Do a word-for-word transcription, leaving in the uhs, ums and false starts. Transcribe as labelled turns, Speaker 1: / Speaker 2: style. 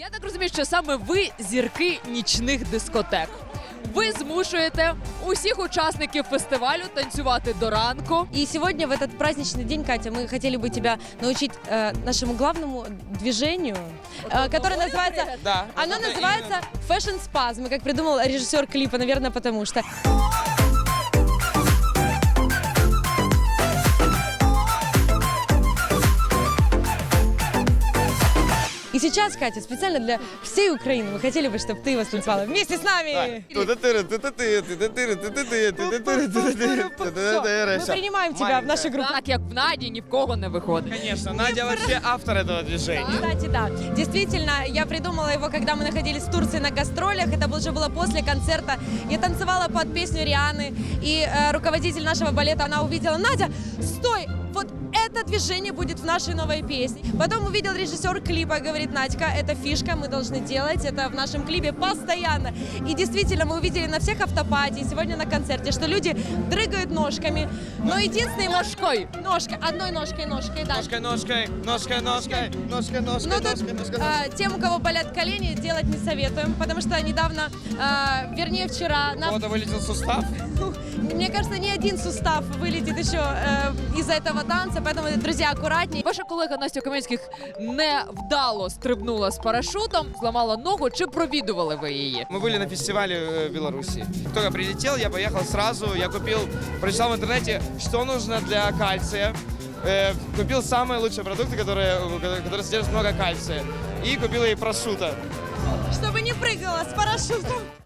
Speaker 1: Я так розумію, що саме ви зірки нічних дискотек. Ви змушуєте усіх учасників фестивалю танцювати до ранку.
Speaker 2: И сегодня, в этот праздничный день, Катя, мы хотели бы тебя научить э, нашему главному движению, э, которое называется...
Speaker 3: Да.
Speaker 2: Оно
Speaker 3: это
Speaker 2: называется Fashion Spasm, как придумал режиссер клипа, наверное, потому что... И сейчас, Катя, специально для всей Украины мы хотели бы, чтобы ты его станцевала вместе с нами. Мы принимаем тебя в нашу группу.
Speaker 1: Так, як в Наді, ні в кого не виходить.
Speaker 3: Конечно, Надя вообще автор этого движения.
Speaker 2: Кстати, да. Действительно, я придумала его, когда мы находились в Турции на гастролях. Это уже было после концерта. Я танцевала под песню Рианы. И э, руководитель нашего балета, она увидела: Надя, стой! Вот это движение будет в нашей новой песне. Потом увидел режиссер клипа, говорит: Надька, это фишка, мы должны делать это в нашем клипе постоянно. И действительно, мы увидели на всех автопати, сегодня на концерте, что люди дрыгают ножками. Но единственной ножкой, ножкой, одной ножкой, ножкой, да.
Speaker 3: Ножкой, ножкой, ножкой, ножкой, ножкой, ножкой,
Speaker 2: Но тут
Speaker 3: ножкой, ножкой.
Speaker 2: э, тем, у кого болят колени, делать не советуем, потому что недавно, э, вернее вчера,
Speaker 3: У
Speaker 2: нам,
Speaker 3: кого-то вылетел сустав.
Speaker 2: мне кажется, ни один сустав вылетит еще э, из-за этого танца, поэтому, друзья, аккуратнее.
Speaker 1: Ваша колега Настя Каменських невдало стрибнула з парашутом, зламала ногу. Чи провідували ви її?
Speaker 3: Мы были на фестивале э, в Беларуси. Только прилетел, я поехал сразу. Я купил, прочитал в интернете, что нужно для кальция. Э, купил самые лучшие продукты, которые, которые содержат много кальция. И купил ей прошутто.
Speaker 2: Чтобы не прыгала с парашютом.